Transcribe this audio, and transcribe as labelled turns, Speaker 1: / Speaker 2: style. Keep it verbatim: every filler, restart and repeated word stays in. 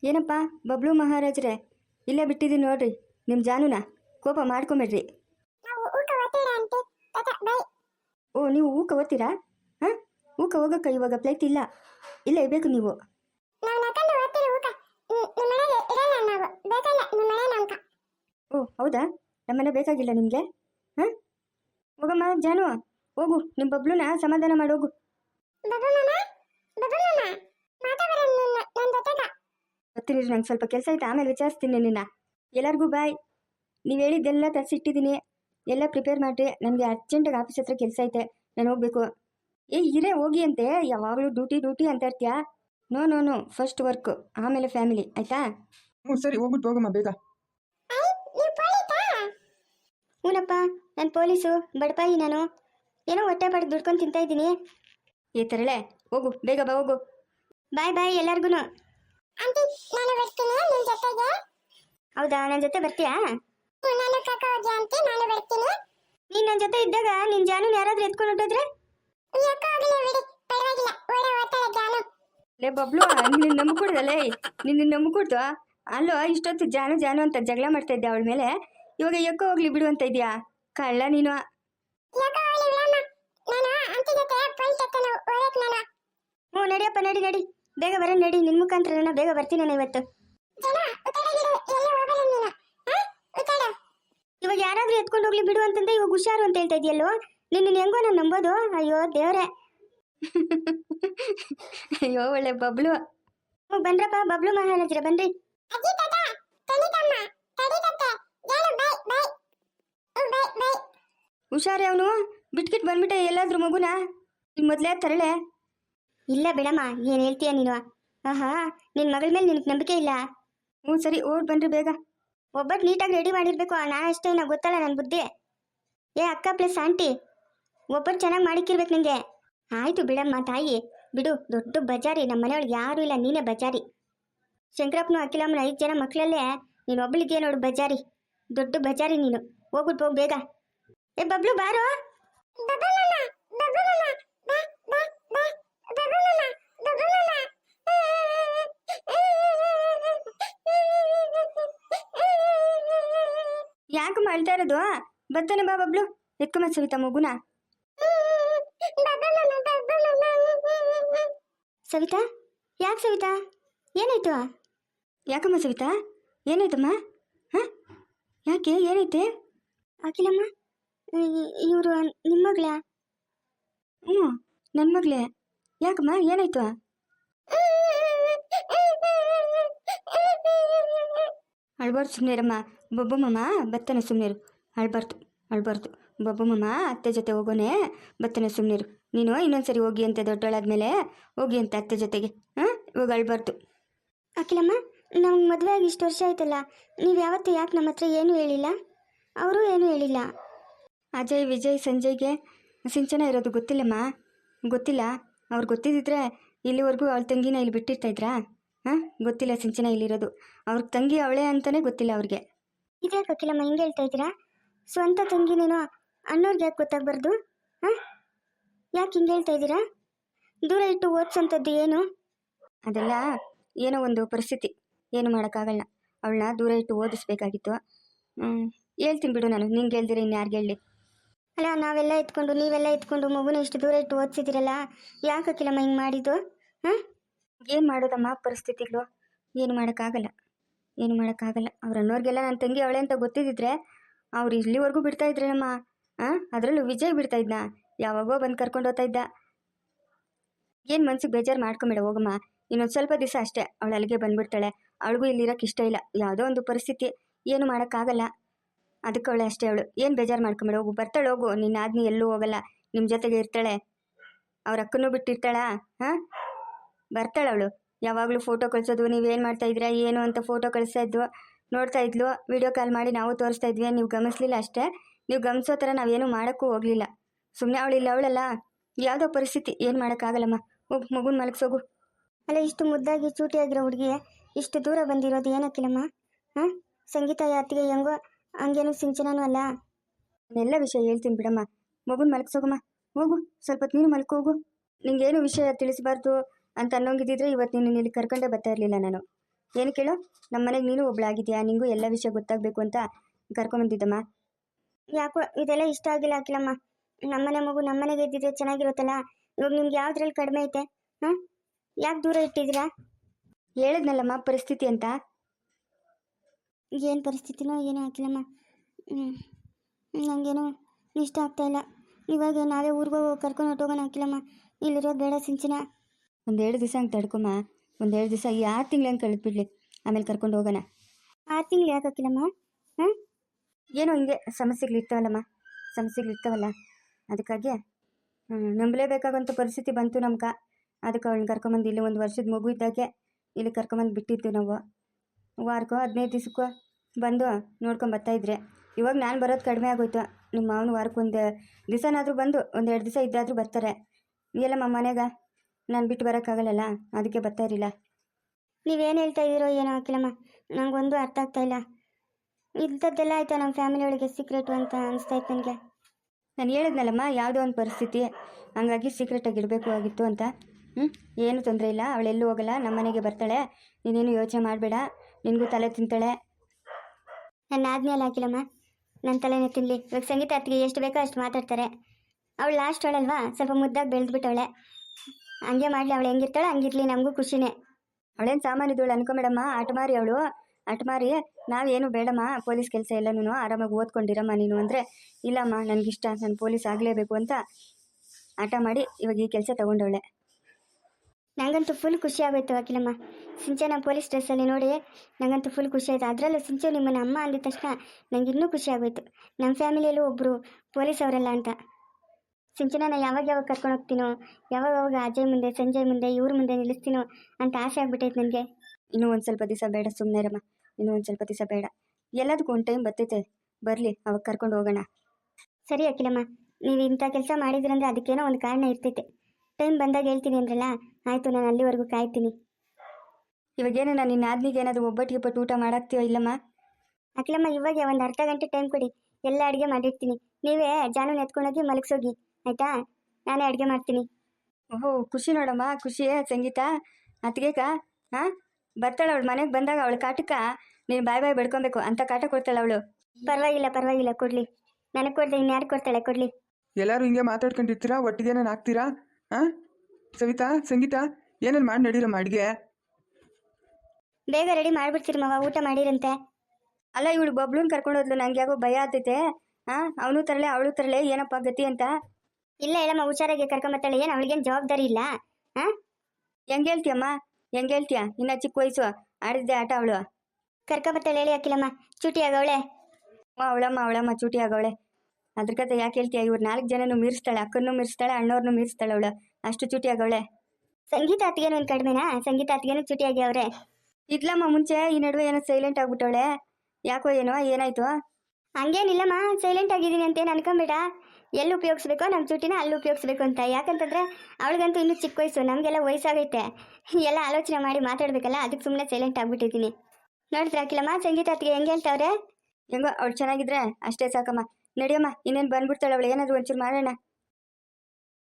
Speaker 1: ಏನಪ್ಪ ಬಬ್ಲು ಮಹಾರಾಜ್ರೆ, ಇಲ್ಲೇ ಬಿಟ್ಟಿದ್ದೀನಿ ನೋಡ್ರಿ ನಿಮ್ಮ ಜಾನುನ. ಕೋಪ ಮಾಡ್ಕೊಂಬೇಡ್ರಿ.
Speaker 2: ನಾವು ಊಟ ಒತ್ತಡ ಅಂತೆ ತಾತ ಬೈ.
Speaker 1: ಓ, ನೀವು ಊಕ ಓದ್ತೀರಾ? ಹಾಂ, ಊಕ ಹೋಗಕ್ಕ ಇವಾಗ ಫ್ಲೈಟ್ ಇಲ್ಲ, ಇಲ್ಲೇ ಇರಬೇಕು ನೀವು.
Speaker 2: ನಾವು ನಕಂಡು ಒತ್ತೀರಿ ಊಟ. ನಿಮ್ಮ ಮನೆಗೆ ಇರಲ್ಲ, ನಾವು ಬೇಕಲ್ಲ ನಿಮ್ಮ ಮನೆ ನಮ್ಕ.
Speaker 1: ಓ ಹೌದಾ, ನಮ್ಮನೆ ಬೇಕಾಗಿಲ್ಲ ನಿಮಗೆ? ಹಾಂ, ಹೋಗಮ್ಮ ಜಾನು, ಹೋಗು ನಿಮ್ಮ ಬಬ್ಲುನ ಸಮಾಧಾನ ಮಾಡೋಗು.
Speaker 2: ಬಬು ಮಾಮ, ಬಬು ಮಾಮ, ಮಾತಾಡೋಣ ನಿನ್ನ ನನ್ನ ಜೊತೆಗ.
Speaker 1: ಬರ್ತೀನಿ, ನಂಗೆ ಸ್ವಲ್ಪ ಕೆಲಸ ಐತೆ, ಆಮೇಲೆ ವಿಚಾರಿಸ್ತೀನಿ ನಿನ್ನ. ಎಲ್ಲರಿಗೂ ಬಾಯ್. ನೀವು ಹೇಳಿದ್ದೆಲ್ಲ ತರಿಸಿಟ್ಟಿದ್ದೀನಿ, ಎಲ್ಲ ಪ್ರಿಪೇರ್ ಮಾಡಿರಿ. ನನಗೆ ಅರ್ಜೆಂಟಾಗಿ ಆಫೀಸ್ ಹತ್ರ ಕೆಲಸ ಐತೆ, ನಾನು ಹೋಗ್ಬೇಕು. ಏ ಇರೇ ಹೋಗಿ ಅಂತೆ, ಯಾವಾಗಲೂ ಡ್ಯೂಟಿ ಡ್ಯೂಟಿ ಅಂತ ಇರ್ತೀಯಾ? No no no, first work ಆಮೇಲೆ ಫ್ಯಾಮಿಲಿ, ಆಯಿತಾ?
Speaker 3: ಹ್ಞೂ ಸರಿ, ಹೋಗ್ಬಿಟ್ಟು ಹೋಗಮ್ಮ ಬೇಗ.
Speaker 2: ಐ ನೀವು ಪೊಲೀಸಾ?
Speaker 1: ಹ್ಞೂನಪ್ಪ, ನಾನು ಪೊಲೀಸು, ಬಡಪಾಯಿ ನಾನು. ಏನೋ ಹೊಟ್ಟೆ ಪಾಡಿಗೆ ದುಡ್ಕೊಂಡು ತಿಂತಾ ಇದ್ದೀನಿ. ಏ ತರಳೆ, ಹೋಗು ಬೇಗ ಬಾ, ಹೋಗು. ಬಾಯ್ ಬಾಯ್ ಎಲ್ಲರಿಗೂ.
Speaker 2: ಆಂಟಿ ನಾನು ಬರ್ತೀನಿ ನಿಮ್ಮ ಜೊತೆಗೆ.
Speaker 1: ಹೌದಾ, ನನ್ನ ಜೊತೆ ಬರ್ತೀಯಾ?
Speaker 2: ಹ್ಞೂ, ನಾನು ಕಕ್ಕ ಹೋಗಿ ಆಂಟಿ, ನಾನು ಬರ್ತೀನಿ.
Speaker 1: ನೀನು ನನ್ನ ಜೊತೆ ಇದ್ದಾಗ ನಿನ್ನ ಜಾನು ಯಾರಾದ್ರೂ ಎತ್ಕೊಂಡು ಹೊಟ್ಟೋದ್ರೆ?
Speaker 2: ಯಾಕೆ ಹೋಗಲಿ ಬಿಡಿ, ಪರವಾಗಿಲ್ಲ, ಓಡ ಓದ್ತಾಳೆ ಜಾನು.
Speaker 1: ಲೇ ಬಬ್ಲು, ನಿನ್ನ ನಂಬಿಕೊಡ್ದಲ್ಲೇ, ನಿನ್ನ ನಂಬಿಕೊಡ್ದು. ಅಲ್ಲೋ ಇಷ್ಟೊತ್ತು ಜಾನು ಜಾನು ಅಂತ ಜಗಳ ಮಾಡ್ತಾ ಇದ್ದೆ ಅವಳ ಮೇಲೆ, ಇವಾಗ ಎಕ್ಕೋ ಹೋಗ್ಲಿ ಬಿಡು ಅಂತ ಇದೆಯಾ? ಕಳ್ಳ ನೀನು.
Speaker 2: ಯಾಕೆ ಹೋಗಲಿ ಬಿಡಮ್ಮ, ನಾನು ಆಂಟಿ ಜೊತೆ ಪೊಲೀಸ್ ಹತ್ರ ಓದಕ್ಕೆ ನಾನು.
Speaker 1: ಹ್ಞೂ ನಡಿಯಪ್ಪ, ನಡಿ ನಡಿ, ಬೇಗ ಬರೋಣ ನಡಿ. ನಿನ್ನ ಮುಖಾಂತರ ನಾನು ಬೇಗ ಬರ್ತೀನಿ ನಾನು ಇವತ್ತು.
Speaker 2: ಜನ ಉತ್ತಡಗಿರು, ಎಲ್ಲ ಹೋಗಲ್ಲ ನೀನು. ಹಾಂ, ಉತ್ತಡ.
Speaker 1: ಇವಾಗ ಯಾರಾದ್ರೂ ಎತ್ಕೊಂಡು ಹೋಗ್ಲಿ ಬಿಡು ಅಂತಂದ್ರೆ ಇವಾಗ ಹುಷಾರು ಅಂತ ಹೇಳ್ತಾ ಇದೆಯಲ್ಲೋ. ನಿನ್ನ ಹೆಂಗೋ ನಾನು ನಂಬೋದು? ಅಯ್ಯೋ ದೇವ್ರೆ. ಅಯ್ಯೋ ಒಳ್ಳೆ ಬಬ್ಲು. ಹ್ಞೂ ಬನ್ರಪ್ಪ, ಬಬ್ಲು ಮಹಾರಾಜ್ರೆ ಬನ್ರಿ.
Speaker 2: ಅಜ್ಜಿ ತಾತ, ತಡಿತಮ್ಮ, ತಡಿತತ್ತೆ. Jaanu bye bye. Oh bye bye.
Speaker 1: ಹುಷಾರೇ ಅವನು, ಬಿಟ್ಕಿಟ್ ಬಂದ್ಬಿಟ್ಟೆ ಎಲ್ಲಾದ್ರೂ ಮಗುನ. ಈಗ ಮೊದಲೇ ತರಳೆ. ಇಲ್ಲ ಬಿಡಮ್ಮ, ಏನು ಹೇಳ್ತೀಯ ನೀನು? ಆಹಾ, ನಿನ್ನ ಮಗಳ ಮೇಲೆ ನಿನಗೆ ನಂಬಿಕೆ ಇಲ್ಲ. ಹ್ಞೂ ಸರಿ, ಓಡ್ ಬನ್ರಿ ಬೇಗ. ಒಬ್ಬಟ್ಟು ನೀಟಾಗಿ ರೆಡಿ ಮಾಡಿರ್ಬೇಕು, ನಾನು ಅಷ್ಟೇ, ನಾ ಗೊತ್ತಲ್ಲ ನನ್ನ ಬುದ್ಧಿ. ಏ ಅಕ್ಕ ಪ್ಲಸ್ ಆಂಟಿ, ಒಬ್ಬಟ್ಟು ಚೆನ್ನಾಗಿ ಮಾಡಿಕ್ಕಿರ್ಬೇಕು ನಿಂಗೆ. ಆಯಿತು ಬಿಡಮ್ಮ ತಾಯಿ, ಬಿಡು. ದೊಡ್ಡ ಬಜಾರಿ, ನಮ್ಮ ಮನೆಯೊಳಗೆ ಯಾರೂ ಇಲ್ಲ, ನೀನೇ ಬಜಾರಿ. ಶಂಕರಪ್ಪನು ಅಖಿಲಮ್ಮನ ಐದು ಜನ ಮಕ್ಕಳಲ್ಲೇ ನೀನು ಒಬ್ಬಳಿಗೆ ನೋಡು ಬಜಾರಿ, ದೊಡ್ಡ ಬಜಾರಿ ನೀನು. ಹೋಗ್ಬಿಟ್ಟು ಹೋಗಿ ಬೇಗ. ಏ ಬಬ್ಲು ಬಾರೋ.
Speaker 2: ಬಬು ಮಾಮ, ಬಬು ಮಾಮ, ಬಾ ಬಾ ಬಾ. ಬಬು ಮಾಮ, ಬಬು ಮಾಮ.
Speaker 1: ಯಾಕೆ ಮಾಡ್ತಾ ಇರೋದು? ಬರ್ತಾನೆ ಬಾ ಬಬ್ಲು, ಎತ್ಕೊಂಬ ಸವಿತಾ ಮಗುನ.
Speaker 2: ಬಬು ಮಾಮ, ಬಬು ಮಾಮ.
Speaker 1: ಸವಿತಾ, ಯಾಕೆ ಸವಿತಾ, ಏನಾಯ್ತು? ಯಾಕಮ್ಮ ಸವಿತಾ, ಏನಾಯ್ತಮ್ಮ? ಹಾಂ, ಯಾಕೆ ಏನೈತೆ? ಅಖಿಲಮ್ಮ, ಇವರು ನಿಮ್ಮ ಮಗಳ? ಹ್ಞೂ ನನ್ನ ಮಗಳೇ. ಯಾಕಮ್ಮ ಏನಾಯ್ತು? ಅಳ್ಬಾರ್ದು ಸುಮ್ಮನಿರಮ್ಮ. ಬೊಬ್ಬು ಮಾಮ ಬರ್ತಾನೆ, ಸುಮ್ಮನಿರು. ಅಳ್ಬಾರ್ದು ಅಳ್ಬಾರ್ದು. ಬೊಬ್ಬು ಮಾಮ ಅತ್ತೆ ಜೊತೆ ಹೋಗೋನೆ, ಬರ್ತಾನೆ, ಸುಮ್ಮನಿರು. ನೀನು ಇನ್ನೊಂದ್ಸರಿ ಹೋಗಿ ಅಂತೆ, ದೊಡ್ಡೋಳಾದ್ಮೇಲೆ ಹೋಗಿ ಅಂತ ಅತ್ತೆ ಜೊತೆಗೆ. ಹಾಂ, ಇವಾಗ ಅಳ್ಬಾರ್ದು. ಅಖಿಲಮ್ಮ, ನಮ್ಗೆ ಮದುವೆ ಆಗಿ ಇಷ್ಟು ವರ್ಷ ಆಯ್ತಲ್ಲ, ನೀವು ಯಾವತ್ತೂ ಯಾಕೆ ನಮ್ಮ ಹತ್ರ ಏನೂ ಹೇಳಿಲ್ಲ? ಅವರು ಏನೂ ಹೇಳಿಲ್ಲ. ಅಜಯ್, ವಿಜಯ್, ಸಂಜಯ್ಗೆ ಸಿಂಚನ ಇರೋದು ಗೊತ್ತಿಲ್ಲಮ್ಮ, ಗೊತ್ತಿಲ್ಲ. ಅವ್ರು ಗೊತ್ತಿದ್ದಿದ್ರೆ ಇಲ್ಲಿವರೆಗೂ ಅವಳ ತಂಗಿನ ಇಲ್ಲಿ ಬಿಟ್ಟಿರ್ತಾಯಿದ್ರಾ? ಹಾಂ, ಗೊತ್ತಿಲ್ಲ ಸಿಂಚನ ಇಲ್ಲಿರೋದು. ಅವ್ರ ತಂಗಿ ಅವಳೇ ಅಂತಲೇ ಗೊತ್ತಿಲ್ಲ ಅವ್ರಿಗೆ. ಇದ್ಯಾಕೆ ಅಖಿಲಮ್ಮ ಹಿಂಗೆ ಹೇಳ್ತಾ ಇದ್ದೀರಾ? ಸ್ವಂತ ತಂಗಿ ನೀನು ಅನ್ನೋರ್ಗೆ ಯಾಕೆ ಗೊತ್ತಾಗಬಾರ್ದು? ಹಾಂ, ಯಾಕೆ ಹಿಂಗೆ ಹೇಳ್ತಾ ಇದ್ದೀರಾ? ದೂರ ಇಟ್ಟು ಓದಿಸೋಂಥದ್ದು ಏನು? ಅದೆಲ್ಲ ಏನೋ ಒಂದು ಪರಿಸ್ಥಿತಿ, ಏನು ಮಾಡೋಕ್ಕಾಗಲ್ಲ. ಅವಳನ್ನ ದೂರ ಇಟ್ಟು ಓದಿಸ್ಬೇಕಾಗಿತ್ತು. ಹೇಳ್ತೀನಿ ಬಿಡು ನಾನು, ನಿಂಗೆ ಹೇಳ್ದಿರ ಇನ್ಯಾರಿಗೆ ಹೇಳಿ? ಅಲ್ಲ, ನಾವೆಲ್ಲ ಇಟ್ಕೊಂಡು ನೀವೆಲ್ಲ ಇಟ್ಕೊಂಡು ಮಗುನ ಇಷ್ಟು ದೂರ ಇಟ್ಟು ಓದಿಸಿದಿರಲ್ಲ, ಯಾಕೆ ಅಖಿಲಮ್ಮ ಹಿಂಗೆ ಮಾಡಿದ್ದು? ಹಾಂ, ಏನು ಮಾಡೋದಮ್ಮ, ಪರಿಸ್ಥಿತಿಗಳು. ಏನು ಮಾಡೋಕ್ಕಾಗಲ್ಲ, ಏನು ಮಾಡೋಕ್ಕಾಗಲ್ಲ. ಅವ್ರು ಅನ್ನೋರಿಗೆಲ್ಲ ನನ್ನ ತಂಗಿ ಅವಳೆ ಅಂತ ಗೊತ್ತಿದ್ದಿದ್ರೆ ಅವ್ರು ಇಲ್ಲಿವರೆಗೂ ಬಿಡ್ತಾ ಇದ್ರೇನಮ್ಮ. ಹಾಂ, ಅದರಲ್ಲೂ ವಿಜಯ್ ಬಿಡ್ತಾ ಇದ್ನ, ಯಾವಾಗೋ ಬಂದು ಕರ್ಕೊಂಡು ಹೋಗ್ತಾ ಇದ್ದ. ಏನು ಮನ್ಸಿಗೆ ಬೇಜಾರು ಮಾಡ್ಕೊಂಬೇಡ, ಹೋಗಮ್ಮ. ಇನ್ನೊಂದು ಸ್ವಲ್ಪ ದಿವಸ ಅಷ್ಟೇ, ಅವಳು ಅಲ್ಲಿಗೆ ಬಂದುಬಿಡ್ತಾಳೆ. ಅವಳಿಗೂ ಇಲ್ಲಿರೋಕ್ಕೆ ಇಷ್ಟ ಇಲ್ಲ, ಯಾವುದೋ ಒಂದು ಪರಿಸ್ಥಿತಿ, ಏನು ಮಾಡೋಕ್ಕಾಗಲ್ಲ. ಅದಕ್ಕೆ ಅವಳೆ ಅಷ್ಟೇ. ಅವಳು ಏನು ಬೇಜಾರು ಮಾಡ್ಕೊಂಬೇಡ, ಹೋಗು. ಬರ್ತಾಳೆ, ಹೋಗು. ನಿನ್ನ ಆದ್ನಿ ಎಲ್ಲೂ ಹೋಗಲ್ಲ, ನಿಮ್ಮ ಜೊತೆಗೆ ಇರ್ತಾಳೆ. ಅವ್ರ ಅಕ್ಕನೂ ಬಿಟ್ಟಿರ್ತಾಳಾ? ಹಾಂ, ಬರ್ತಾಳೆ ಅವಳು. ಯಾವಾಗಲೂ ಫೋಟೋ ಕಳಿಸೋದು, ನೀವೇನು ಮಾಡ್ತಾ ಇದ್ದೀರಾ ಏನು ಅಂತ ಫೋಟೋ ಕಳಿಸ್ತಾ ಇದ್ವು, ನೋಡ್ತಾ ಇದ್ಲು. ವಿಡಿಯೋ ಕಾಲ್ ಮಾಡಿ ನಾವು ತೋರಿಸ್ತಾ ಇದ್ವಿ, ನೀವು ಗಮನಿಸ್ಲಿಲ್ಲ ಅಷ್ಟೇ. ನೀವು ಗಮನಿಸೋ ಥರ ನಾವೇನು ಮಾಡೋಕ್ಕೂ ಹೋಗಲಿಲ್ಲ. ಸುಮ್ಮನೆ ಅವಳಿಲ್ಲ, ಅವಳಲ್ಲ, ಯಾವುದೋ ಪರಿಸ್ಥಿತಿ, ಏನು ಮಾಡೋಕ್ಕಾಗಲ್ಲಮ್ಮ. ಹೋಗು, ಮಗುನ ಮಲಗಿಸೋಗು. ಅಲ್ಲ, ಇಷ್ಟು ಮುದ್ದಾಗಿ ಚೂಟಿಯಾಗಿರೋ ಹುಡುಗಿ ಇಷ್ಟು ದೂರ ಬಂದಿರೋದು ಏನಕ್ಕಿಲ್ಲಮ್ಮ? ಹಾಂ, ಸಂಗೀತ ಯಾತಿಗೆ ಹೆಂಗೋ ಹಂಗೇನು ಸಿಂಚನೂ ಅಲ್ಲ. ಎಲ್ಲ ವಿಷಯ ಹೇಳ್ತೀನಿ ಬಿಡಮ್ಮ. ಮಗುನ ಮಲಗಿಸೋಗಮ್ಮ, ಹೋಗು. ಸ್ವಲ್ಪ ಹೊತ್ತು ನೀನು ಮಲ್ಕೋಗು. ನಿಂಗೇನು ವಿಷಯ ತಿಳಿಸಬಾರ್ದು ಅಂತ ಅನ್ನೋಂಗಿದ್ದಿದ್ರೆ ಇವತ್ತು ನೀನು ಇಲ್ಲಿ ಕರ್ಕೊಂಡೇ ಬರ್ತಾ ಇರಲಿಲ್ಲ ನಾನು. ಏನು ಕೇಳು, ನಮ್ಮ ಮನೆಗೆ ನೀನು ಒಬ್ಳಾಗಿದ್ಯಾ, ನಿಂಗೂ ಎಲ್ಲ ವಿಷಯ ಗೊತ್ತಾಗಬೇಕು ಅಂತ ಕರ್ಕೊಂಬಂದಿದ್ದಮ್ಮ.
Speaker 2: ಯಾಕೋ ಇದೆಲ್ಲ ಇಷ್ಟ ಆಗಿಲ್ಲ ಅಖಿಲಮ್ಮ. ನಮ್ಮನೆ ಮಗು ನಮ್ಮನೆಗೆ ಇದ್ದಿದ್ರೆ ಚೆನ್ನಾಗಿರುತ್ತಲ್ಲ. ಇವಾಗ ನಿಮ್ಗೆ ಯಾವ್ದ್ರಲ್ಲಿ ಕಡಿಮೆ ಐತೆ? ಹಾಂ, ಯಾಕೆ ದೂರ ಇಟ್ಟಿದ್ದೀರಾ?
Speaker 1: ಹೇಳಿದ್ನಲ್ಲಮ್ಮ ಪರಿಸ್ಥಿತಿ ಅಂತ.
Speaker 2: ಏನು ಪರಿಸ್ಥಿತಿನೋ ಏನೋ ಅಖಿಲಮ್ಮ. ಹ್ಞೂ ನನಗೇನೋ ಇಷ್ಟ ಆಗ್ತಾಯಿಲ್ಲ. ಇವಾಗ ನಾವೇ ಊರಿಗೆ ಕರ್ಕೊಂಡು ಹೊಟ್ಟೋಗೋಣ ಅಖಿಲಮ್ಮ. ಇಲ್ಲಿರೋದು ಬೇಡ ಸಿಂಚನ.
Speaker 1: ಒಂದೆರಡು ದಿವಸ ಹಂಗೆ ತಡ್ಕೊಮ್ಮ, ಒಂದೆರಡು ದಿವಸ ಈ ಆರು ತಿಂಗಳು ಹಂಗೆ ಕಳೆದ್ಬಿಡ್ಲಿ, ಆಮೇಲೆ ಕರ್ಕೊಂಡು ಹೋಗೋಣ.
Speaker 2: ಆರು ತಿಂಗಳು ಯಾಕೆ ಅಖಿಲಮ್ಮ? ಹಾಂ,
Speaker 1: ಏನೋ ಹಿಂಗೆ ಸಮಸ್ಯೆಗಳು ಇರ್ತಾವಲ್ಲಮ್ಮ, ಸಮಸ್ಯೆಗಳು ಇರ್ತಾವಲ್ಲ, ಅದಕ್ಕಾಗಿ ನಂಬಲೇಬೇಕಾಗಂತ ಪರಿಸ್ಥಿತಿ ಬಂತು ನಮ್ಗೆ. ಅದಕ್ಕೆ ಅವಳನ್ನ ಕರ್ಕೊಂಬಂದು ಇಲ್ಲಿ ಒಂದು ವರ್ಷದ ಮಗು ಇದ್ದಾಗೆ ಇಲ್ಲಿ ಕರ್ಕೊಂಬಂದು ಬಿಟ್ಟಿದ್ದು ನಾವು. ವಾರಕ್ಕೋ ಹದಿನೈದು ದಿವಸಕ್ಕೋ ಬಂದು ನೋಡ್ಕೊಂಡು ಬರ್ತಾಯಿದ್ರೆ. ಇವಾಗ ನಾನು ಬರೋದು ಕಡಿಮೆ ಆಗೋಯ್ತು. ನಿಮ್ಮ ಮಾವನ ವಾರಕ್ಕೊಂದು ದಿವಸನಾದರೂ ಬಂದು ಒಂದೆರಡು ದಿವಸ ಇದ್ದಾದರೂ ಬರ್ತಾರೆ. ಎಲ್ಲಮ್ಮ ಮನೆಗೆ ನಾನು ಬಿಟ್ಟು ಬರೋಕ್ಕಾಗಲ್ಲಲ್ಲ, ಅದಕ್ಕೆ ಬರ್ತಾ ಇರಲಿಲ್ಲ.
Speaker 2: ನೀವೇನು ಹೇಳ್ತಾ ಇದ್ದೀರೋ ಏನೋ ಅಖಿಲಮ್ಮ, ನನಗೊಂದು ಅರ್ಥ ಆಗ್ತಾಯಿಲ್ಲ. ಇಂಥದ್ದೆಲ್ಲ ಆಯಿತಾ ನಮ್ಮ ಫ್ಯಾಮಿಲಿ ಒಳಗೆ ಸೀಕ್ರೆಟು ಅಂತ ಅನಿಸ್ತಾಯಿತ್ತು ನನಗೆ.
Speaker 1: ನಾನು ಹೇಳಿದ್ನಲ್ಲಮ್ಮ, ಯಾವುದೋ ಒಂದು ಪರಿಸ್ಥಿತಿ ಹಂಗಾಗಿ ಸೀಕ್ರೆಟಾಗಿ ಇಡಬೇಕು ಆಗಿತ್ತು ಅಂತ. ಹ್ಞೂ, ಏನೂ ತೊಂದರೆ ಇಲ್ಲ, ಅವಳೆಲ್ಲೂ ಹೋಗಲ್ಲ, ನಮ್ಮ ಮನೆಗೆ ಬರ್ತಾಳೆ. ನೀನೇನು ಯೋಚನೆ ಮಾಡಬೇಡ, ನಿನಗೂ ತಲೆ ತಿಂತಾಳೆ.
Speaker 2: ನನ್ನ ಆದ್ಮೇಲೆ ಹಾಕಿಲ್ಲಮ್ಮ, ನನ್ನ ತಲೆನೇ ತಿನ್ನಲಿ. ಇವಾಗ ಸಂಗೀತ ಅತ್ತಿಗೆ ಎಷ್ಟು ಬೇಕೋ ಅಷ್ಟು ಮಾತಾಡ್ತಾರೆ. ಅವಳು ಲಾಸ್ಟ್ ಅವಳಲ್ವಾ, ಸ್ವಲ್ಪ ಮುದ್ದಾಗಿ ಬೆಳೆದ್ಬಿಟ್ಟವಳೆ. ಹಂಗೆ ಮಾಡಲಿ, ಅವಳು ಹೆಂಗಿರ್ತಾಳೆ ಹಂಗಿರ್ಲಿ, ನಮಗೂ ಖುಷಿನೇ.
Speaker 1: ಅವಳೇನು ಸಾಮಾನ್ಯದವಳು ಅನ್ಕೊಂಬೇಡಮ್ಮ, ಆಟಮಾರಿ ಅವಳು, ಆಟಮಾರಿ. ನಾವೇನು ಬೇಡಮ್ಮ ಪೊಲೀಸ್ ಕೆಲಸ ಎಲ್ಲನೂ ಆರಾಮಾಗಿ ಓದ್ಕೊಂಡಿರಮ್ಮ ನೀನು ಅಂದರೆ, ಇಲ್ಲಮ್ಮ ನನಗಿಷ್ಟ, ನಾನು ಪೊಲೀಸ್ ಆಗಲೇಬೇಕು ಅಂತ ಆಟ ಮಾಡಿ ಇವಾಗ ಈ ಕೆಲಸ ತಗೊಂಡವಳೆ.
Speaker 2: ನನಗಂತೂ ಫುಲ್ ಖುಷಿ ಆಗೋಯ್ತು ಅಖಿಲಮ್ಮ. ಸಿಂಚನ ಪೊಲೀಸ್ ಡ್ರೆಸ್ಸಲ್ಲಿ ನೋಡಿ ನನಗಂತೂ ಫುಲ್ ಖುಷಿ ಆಯಿತು. ಅದರಲ್ಲೂ ಸಿಂಚು ನಿಮ್ಮನ್ನ ಅಮ್ಮ ಅಂದಿದ ತಕ್ಷಣ ನನಗೆ ಇನ್ನೂ ಖುಷಿ ಆಗೋಯ್ತು. ನಮ್ಮ ಫ್ಯಾಮಿಲಿಯಲ್ಲೂ ಒಬ್ಬರು ಪೊಲೀಸ್ ಅವರಲ್ಲ ಅಂತ. ಸಿಂಚನ ಯಾವಾಗ ಯಾವಾಗ ಕರ್ಕೊಂಡು ಹೋಗ್ತೀನೋ, ಯಾವಾಗ ಯಾವಾಗ ಅಜಯ್ ಮುಂದೆ, ಸಂಜಯ್ ಮುಂದೆ, ಇವ್ರ ಮುಂದೆ ನಿಲ್ಲಿಸ್ತೀನೋ ಅಂತ ಆಸೆ ಆಗ್ಬಿಟ್ಟೈತೆ ನನಗೆ.
Speaker 1: ಇನ್ನೂ ಒಂದು ಸ್ವಲ್ಪ ದಿವಸ ಬೇಡ, ಸುಮ್ಮನೆ ಇರಮ್ಮ, ಇನ್ನೂ ಒಂದು ಸ್ವಲ್ಪ ದಿವಸ ಬೇಡ. ಎಲ್ಲದಕ್ಕೂ ಒಂದು ಟೈಮ್ ಬರ್ತೈತೆ, ಬರಲಿ, ಅವಾಗ ಕರ್ಕೊಂಡು ಹೋಗೋಣ.
Speaker 2: ಸರಿ ಅಖಿಲಮ್ಮ, ನೀವು ಇಂಥ ಕೆಲಸ ಮಾಡಿದ್ರಂದ್ರೆ ಅದಕ್ಕೇನೋ ಒಂದು ಕಾರಣ ಇರ್ತೈತೆ. ಟೈಮ್ ಬಂದಾಗ ಹೇಳ್ತೀನಿ ಅಂದ್ರಲ್ಲ, ಆಯಿತು, ನಾನು ಅಲ್ಲಿವರೆಗೂ ಕಾಯ್ತೀನಿ.
Speaker 1: ಇವಾಗೇನು ನಾನು ನಿನ್ನ ಆದ್ನಿಗೆ ಏನಾದರೂ ಒಬ್ಬಟ್ಟು ಗಿಬ್ಬಟ್ಟು ಊಟ ಮಾಡಾಕ್ತೀಯೋ ಇಲ್ಲಮ್ಮ?
Speaker 2: ಅಖಿಲಮ್ಮ, ಇವಾಗ ಒಂದು ಅರ್ಧ ಗಂಟೆ ಟೈಮ್ ಕೊಡಿ, ಎಲ್ಲ ಅಡುಗೆ ಮಾಡಿರ್ತೀನಿ. ನೀವೇ ಜಾನು ಎತ್ಕೊಂಡೋಗಿ ಮಲಗಿಸೋಗಿ, ಆಯಿತಾ? ನಾನೇ ಅಡುಗೆ ಮಾಡ್ತೀನಿ.
Speaker 1: ಓಹೋ, ಖುಷಿ ನೋಡಮ್ಮ, ಖುಷಿ. ಸಂಗೀತ ಅತ್ತಿಗೆಕ ಹಾಂ ಬರ್ತಾಳೆ ಅವಳು. ಮನೆಗೆ ಬಂದಾಗ ಅವಳು ಕಾಟಕ್ಕೆ ನೀನು ಬಾಯ್ ಬಾಯ್ ಬೆಡ್ಕೊಬೇಕು ಅಂತ ಕಾಟ ಕೊಡ್ತಾಳೆ ಅವಳು.
Speaker 2: ಪರವಾಗಿಲ್ಲ ಪರವಾಗಿಲ್ಲ, ಕೊಡಲಿ. ನನಗೆ ಕೊಡದೆ ಇನ್ಯಾರು ಕೊಡ್ತಾಳೆ, ಕೊಡಲಿ.
Speaker 3: ಎಲ್ಲರೂ ಹಿಂಗೆ ಮಾತಾಡ್ಕೊಂಡಿರ್ತೀರಾ, ಒಟ್ಟಿಗೆ ನಾನು ಹಾಕ್ತೀರಾ? ಹಾಂ ಸವಿತಾ, ಸಂಗೀತ, ಏನೇನು ಮಾಡಿ ನಡೀರಮ್ಮ ಅಡುಗೆ?
Speaker 2: ಬೇಗ ರೆಡಿ ಮಾಡಿಬಿಡ್ತೀರಿ ಮಾವ, ಊಟ ಮಾಡಿರಂತೆ.
Speaker 1: ಅಲ್ಲ, ಇವಳು ಬಬ್ಲೂನ್ ಕರ್ಕೊಂಡು ಹೋದ್ಲು, ನಂಗೆ ಯಾಕೋ ಭಯ ಆಗ್ತೈತೆ. ಹಾಂ, ಅವನು ತರಲೆ ಅವಳು ತರಲೆ, ಏನಪ್ಪ ಗತಿ ಅಂತ.
Speaker 2: ಇಲ್ಲ ಹೇಳಮ್ಮ, ಹುಷಾರಾಗಿ ಕರ್ಕೊಂಬತ್ತಾಳೆ. ಏನು ಅವಳಿಗೇನು ಜವಾಬ್ದಾರಿ ಇಲ್ಲ? ಹಾಂ,
Speaker 1: ಹೆಂಗೆ ಹೇಳ್ತೀಯಮ್ಮ, ಹೆಂಗೆ ಹೇಳ್ತೀಯ? ಇನ್ನ ಚಿಕ್ಕ ವಯಸ್ಸು, ಆಡಿದ್ದೆ ಆಟ ಅವಳು.
Speaker 2: ಕರ್ಕೊಂಬತ್ತಾಳೆ ಹೇಳಿ ಅಖಿಲಮ್ಮ, ಚೂಟಿ ಆಗವಳೆ.
Speaker 1: ಹ್ಞೂ, ಅವಳಮ್ಮ ಅವಳಮ್ಮ ಚೂಟಿ ಆಗವಳೆ. ಅದ್ರ ಕತೆ ಯಾಕೆ ಹೇಳ್ತೀಯ? ಇವ್ರು ನಾಲ್ಕು ಜನನು ಮೀರಿಸ್ತಾಳೆ, ಅಕ್ಕನೂ ಮೀರಿಸ್ತಾಳೆ, ಅಣ್ಣವ್ರನ್ನೂ ಮೀರಿಸ್ತಾಳೆ ಅವಳು. ಅಷ್ಟು ಚೂಟಿ ಆಗವಳೆ.
Speaker 2: ಸಂಗೀತ ಅತ್ತಿಗೇನು ಒಂದು ಕಡಿಮೆನಾ? ಸಂಗೀತ ಅತ್ತಿಗೇನು ಚೂಟಿ ಆಗಿ ಅವ್ರೆ.
Speaker 1: ಇದ್ಲಮ್ಮ ಮುಂಚೆ, ಈ ನಡುವೆ ಏನೋ ಸೈಲೆಂಟ್ ಆಗ್ಬಿಟ್ಟವಳೆ. ಯಾಕೋ ಏನೋ ಏನಾಯ್ತು?
Speaker 2: ಹಂಗೇನಿಲ್ಲಮ್ಮ, ಸೈಲೆಂಟ್ ಆಗಿದ್ದೀನಿ ಅಂತೇನು ಅನ್ಕೊಂಬೇಡ. ಎಲ್ಲಿ ಉಪಯೋಗಿಸ್ಬೇಕೋ ನಮ್ಮ ಚೂಟಿನ ಅಲ್ಲಿ ಉಪಯೋಗಿಸ್ಬೇಕು ಅಂತ. ಯಾಕಂತಂದ್ರೆ ಅವಳಿಗಂತೂ ಇನ್ನೂ ಚಿಕ್ಕ ವಯಸ್ಸು, ನಮಗೆಲ್ಲ ವಯಸ್ಸಾಗೈತೆ. ಎಲ್ಲ ಆಲೋಚನೆ ಮಾಡಿ ಮಾತಾಡ್ಬೇಕಲ್ಲ, ಅದಕ್ಕೆ ಸುಮ್ಮನೆ ಸೈಲೆಂಟ್ ಆಗಿಬಿಟ್ಟಿದ್ದೀನಿ. ನೋಡಿದ್ರೆ ಅಖಿಲಮ್ಮ, ಸಂಗೀತ ಅತ್ತಿಗೆ ಹೆಂಗೆ ಹೇಳ್ತಾವ್ರೆ?
Speaker 1: ಹೆಂಗೋ ಅವಳು ಚೆನ್ನಾಗಿದ್ರೆ ಅಷ್ಟೇ ಸಾಕಮ್ಮ. ನಡಿಯಮ್ಮ, ಇನ್ನೇನು ಬಂದ್ಬಿಡ್ತಾಳೆ ಅವಳು. ಏನಾದರೂ ಒಂಚೂರು ಮಾಡೋಣ.